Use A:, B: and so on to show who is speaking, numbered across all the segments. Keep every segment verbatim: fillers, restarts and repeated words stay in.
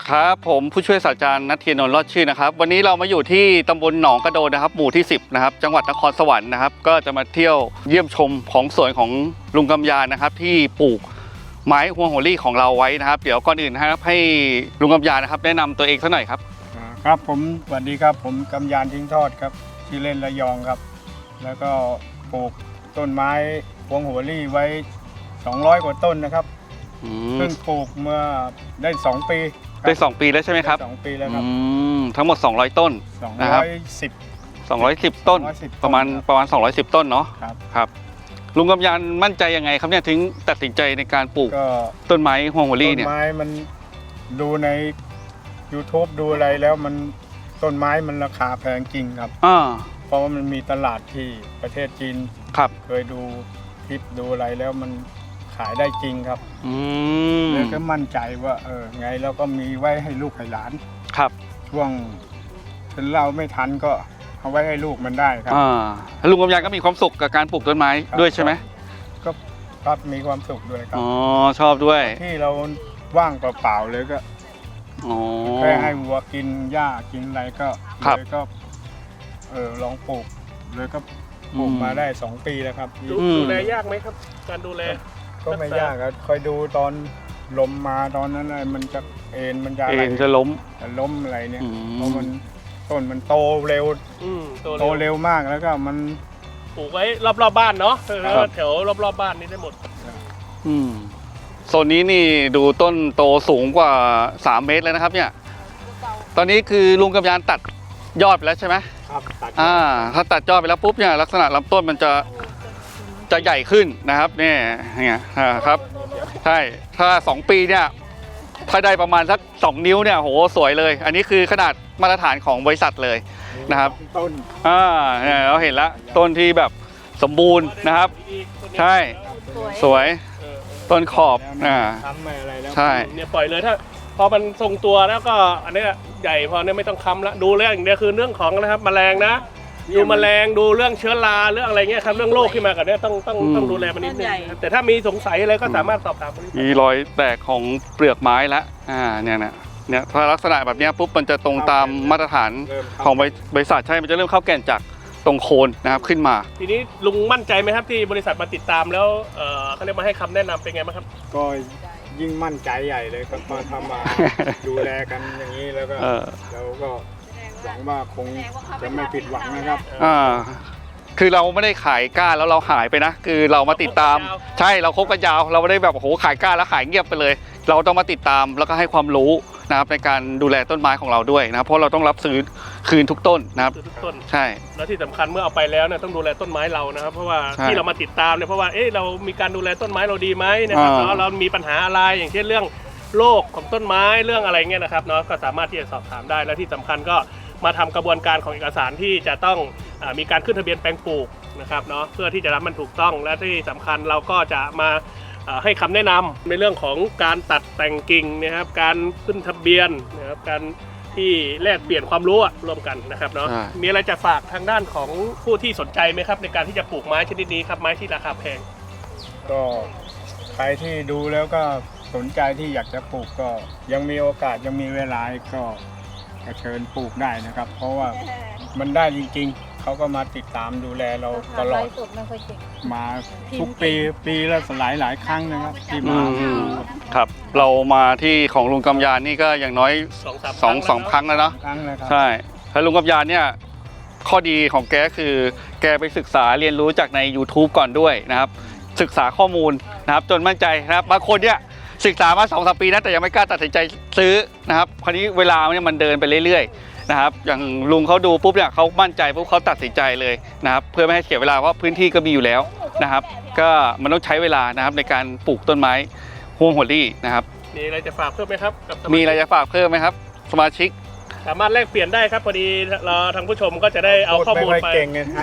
A: ครับผมผู้ช่วยศาสตราจารย์ณัฐเทียนนท์รอดชื่อนะครับวันนี้เรามาอยู่ที่ตำบลหนองกระโดนนะครับหมู่ที่สิบนะครับจังหวัดนครสวรรค์นะครับก็จะมาเที่ยวเยี่ยมชมของสวนของลุงกำยานนะครับที่ปลูกไม้ฮวงโหรี่ของเราไว้นะครับเดี๋ยวก่อนอื่นนะครับให้ลุงกำยานนะครับแนะนำตัวเองสักหน่อยครับ
B: ครับผมสวัสดีครับผมกำยานทิ้งทอดครับชื่อเล่นระยองครับแล้วก็ปลูกต้นไม้ฮวงโหรี่ไว้สองร้อยกว่าต้นนะครับเพิ่งปลูกเมื่อได้สองปี
A: ได้สองปีแล้วใช่ไหมครับ
B: สองปีแล้วครับ
A: ทั้งหมดสองร้อยต้นนะครับสองร้อยสิบต้นประมาณประมาณสองร้อยสิบต้นเนาะ
B: ครับ
A: ครับลุงกำยานมั่นใจยังไงครับเนี่ยถึงตัดสินใจในการปลูกต้นไม้ฮวงโหรี่เนี่ย
B: ต้นไม้มันดูใน ยูทูบ ดูอะไรแล้วมันต้นไม้มันราคาแพงจริงครับเพราะว่ามันมีตลาดที่ประเทศจีน
A: ครับ
B: เคยดูคลิปดูอะไรแล้วมันขายได้จริงครับ
A: เลย
B: ก็มั่นใจว่าเออไงเราก็มีไว้ให้ลูกให้หลาน
A: ครับ
B: ช่วงถึงเราไม่ทันก็เอาไว้ให้ลูกมันได้ครับ
A: อ่าลุงกำยานก็มีความสุขกับการปลูกต้นไม้ด้วยใช่ไหม
B: ก็ครับมีความสุขด้วยครับ
A: อ๋อชอบด้วย
B: ที่เราว่างเปล่าๆเลยก็แค่ให้วัวกินหญ้ากินอะไรก็เลยก็เออลองปลูกเลยก็ปลูกมาได้สองปีแล้วครับ
C: ดูแลยากไหมครับการดูแล
B: ก็ไม่ยากครับคอยดูตอนลมมาตอนนั้นอะไรมันจะเอ็นมันจะ
A: เอ็นจะล้ม
B: จะล้มอะไรเนี่ยเพราะมันต้นมันโตเร็วโตเร็วมากแล้วก็มัน
C: ปลูกไว้รอบๆบ้านเนาะแถวรอบๆบ้านนี่ได้หมด
A: อืมโซนนี้นี่ดูต้นโตสูงกว่าสามเมตรเลยนะครับเนี่ยตอนนี้คือลุงกำยานตัดยอดไปแล้วใช่ไหม
B: ครับตัด
A: อ่าถ้าตัดยอดไปแล้วปุ๊บเนี่ยลักษณะลำต้นมันจะจะใหญ่ขึ้นนะครับเนี่ยเนี่ยครับใช่ถ้าสองปีเนี่ยถ้าได้ประมาณสักสองนิ้วเนี่ยโหสวยเลยอันนี้คือขนาดมาตรฐานของบริษัทเลยนะครับ
B: ต้น
A: อ่าเนี่ยเราเห็นแล้วต้นที่แบบสมบูรณ์นะครับใช่สวยต้นขอบอ่าใช่
C: เนี่ยปล่อยเลยถ้าพอมันทรงตัวแล้วก็อันนี้ใหญ่พอเนี่ยไม่ต้องค้ำแล้วดูเรื่องอย่างเดียวคือเรื่องของนะครับแมลงนะดูแมลงดูเรื่องเชื้อราเรื่องอะไรเงี้ยครับเรื่องโรคที่มากับเนี่ยต้องต้องต้องดูแลมันนิดนึงแต่ถ้ามีสงสัยอะไรก็สามารถสอบถาม
A: มีรอยแตกของเปลือกไม้แล้วอ่าเนี่ยนะเนี่ยถ้าลักษณะแบบนี้ปุ๊บมันจะตรงตามมาตรฐานของบริษัทใช่มันจะเริ่มเข้าแก่นจากตรงโคนนะครับขึ้นมา
C: ทีนี้ลุงมั่นใจไหมครับที่บริษัทมาติดตามแล้วเออเขาเรียกมาให้คำแนะนำเป็นไงบ้างครับ
B: ก็ยิ่งมั่นใจใหญ่เลยครับมาทำมาดูแลกันอย่างนี้แล้วก็เราก็หวังว่าคงจะไม่ผิดหวังนะครับ
A: อ่าคือเราไม่ได้ขายก้านแล้วเราหายไปนะคือเรามาติดตามใช่เราคบกันยาวเราไม่ได้แบบโอ้โหขายก้านแล้วขายเงียบไปเลยเราต้องมาติดตามแล้วก็ให้ความรู้นะครับในการดูแลต้นไม้ของเราด้วยนะเพราะเราต้องรับซื้อคืนทุกต้นนะครับ
C: ทุกต้น
A: ใช่
C: แล้วที่สำคัญเมื่อเอาไปแล้วเนี่ยต้องดูแลต้นไม้เรานะครับเพราะว่าที่เรามาติดตามเนี่ยเพราะว่าเอ๊ะเรามีการดูแลต้นไม้เราดีไหมนะครับแล้วเรามีปัญหาอะไรอย่างเช่นเรื่องโรคของต้นไม้เรื่องอะไรเงี้ยนะครับเนาะก็สามารถที่จะสอบถามได้และที่สำคัญก็มาทำกระบวนการของเอกสารที่จะต้องมีการขึ้นทะเบียนแปลงปลูกนะครับเนาะเพื่อที่จะรับมันถูกต้องและที่สำคัญเราก็จะมาให้คำแนะนำในเรื่องของการตัดแต่งกิ่งนะครับการขึ้นทะเบียนนะครับการที่แลกเปลี่ยนความรู้ร่วมกันนะครับเนาะมีอะไรจะฝากทางด้านของผู้ที่สนใจไหมครับในการที่จะปลูกไม้ชนิดนี้ครับไม้ที่ราคาแพง
B: ก็ใครที่ดูแล้วก็สนใจที่อยากจะปลูกก็ยังมีโอกาสยังมีเวลาก็เชิญปลูกได้นะครับเพราะว่ามันได้จริงๆเขาก็มาติดตามดูแลเราตลอดมาทุกปีปีละหลายหลายครั้งนะครับที่มา
A: ครับเรามาที่ของลุงกำยานนี่ก็อย่างน้อยสองสองครั้งแล้วเนาะใช่แล้วลุงกำยานเนี่ยข้อดีของแกคือแกไปศึกษาเรียนรู้จากใน ยูทูบ ก่อนด้วยนะครับศึกษาข้อมูลนะครับจนมั่นใจนะครับบางคนเนี่ยศึกษามาสองสามปีนะแต่ยังไม่กล้าตัดสินใจซื้อนะครับคราวนี้เวลาเนี่ยมันเดินไปเรื่อยๆนะครับอย่างลุงเขาดูปุ๊บเนี่ยเขามั่นใจปุ๊บเขาตัดสินใจเลยนะครับเพื่อไม่ให้เสียเวลาเพราะพื้นที่ก็มีอยู่แล้วนะครับก็มันต้องใช้เวลานะครับในการปลูกต้นไม้ฮวงโหรี่นะครับ
C: มีอะไรจะฝากเพิ่มไหมครับกับ
A: มีอะไรจะฝากเพิ่มไหมครับสมาชิก
C: สามารถแลกเปลี่ยนได้ครับพอดีเราทางผู้ชมก็จะได้เอาข้อมูลไป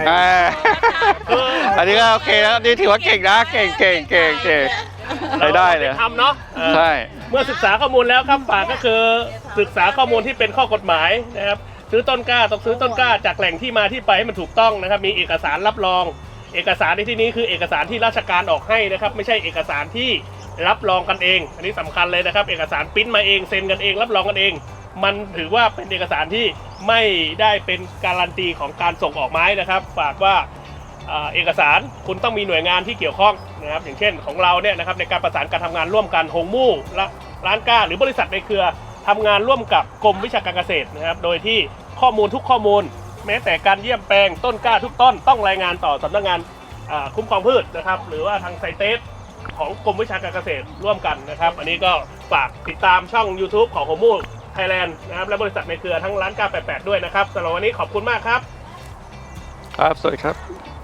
A: อันนี้ก็โอเคนะนี่ถือว่าเก่งนะเก่งเก่งเก่งเก่งได้ได้เลย
C: ทำเนาะ
A: ใช่
C: เมื่อศึกษาข้อมูลแล้วครับฝากก็คือศึกษาข้อมูลที่เป็นข้อกฎหมายนะครับซื้อต้นกล้าต้องซื้อต้นกล้าจากแหล่งที่มาที่ไปให้มันถูกต้องนะครับมีเอกสารรับรองเอกสารในที่นี้คือเอกสารที่ราชการออกให้นะครับไม่ใช่เอกสารที่รับรองกันเองอันนี้สำคัญเลยนะครับเอกสารปริ้นมาเองเซ็นกันเองรับรองกันเอง มันถือว่าเป็นเอกสารที่ไม่ได้เป็นการันตีของการส่งออกไม้นะครับฝากว่าเอกสารคุณต้องมีหน่วยงานที่เกี่ยวข้องนะครับอย่างเช่นของเราเนี่ยนะครับในการประสานการทำงานร่วมกันหงมู่และร้านกล้าหรือบริษัทในเครือทำงานร่วมกับกรมวิชาการเกษตรนะครับโดยที่ข้อมูลทุกข้อมูลแม้แต่การเยี่ยมแปลงต้นกล้าทุกต้นต้องรายงานต่อสำนักงานคุ้มครองพืชนะครับหรือว่าทางไซเตสของกรมวิชาการเกษตรร่วมกันนะครับอันนี้ก็ฝากติดตามช่อง YouTube ของหงมู่ไทยแลนด์นะครับและบริษัทในเครือทั้งร้านกล้าแปดสิบแปดด้วยนะครับสำหรับวันนี้ขอบคุณมากครับ
A: ครับสวัสดีครับ